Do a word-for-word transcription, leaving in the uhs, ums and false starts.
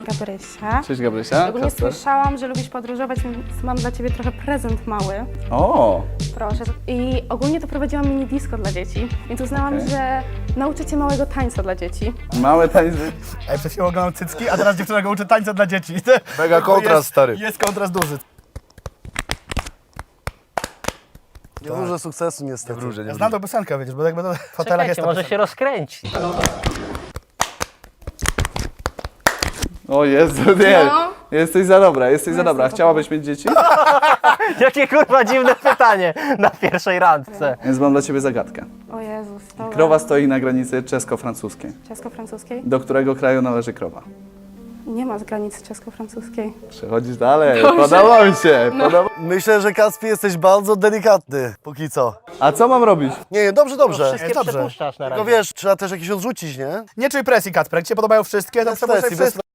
Gabrysia. Cześć Gabrysia. Ogólnie Kasper. słyszałam, że lubisz podróżować, więc mam dla ciebie trochę prezent mały. O, Proszę. I ogólnie to prowadziłam mini disco dla dzieci, więc uznałam, Okej. że nauczę cię małego tańca dla dzieci. małe tańce. Ej, przed chwilą oglądam cycki, a teraz dziewczyna go uczy tańca dla dzieci. Mega kontrast, jest, stary. Jest kontrast duży. Nie wróżę sukcesu niestety. Nie wróżę, nie Ja znam tą piosenkę, wiesz, bo jakby to w hotelach jest Czekajcie, ta może piosenka. się rozkręci. O Jezu, nie. No. Jesteś za dobra, jesteś za dobra. jestem za Chciałabyś mieć dzieci? Jakie kurwa dziwne pytanie na pierwszej randce. Więc mam dla ciebie zagadkę. O Jezus, dobra. Krowa stoi na granicy czesko-francuskiej. Czesko-francuskiej? Do którego kraju należy krowa? Nie ma z granicy czesko-francuskiej. Przechodzisz dalej, podoba mi się. Podoba... Myślę, że Kacpi jesteś bardzo delikatny, póki co. A co mam robić? Nie, nie, dobrze, dobrze. Wszystkie Jest dobrze. przepuszczasz na Tylko razie. wiesz, trzeba też jakieś odrzucić, nie? Nie czuj presji, Kacper, jak ci się podobają wszystkie, to Bez przepuszczaj presji, bez wszystkie.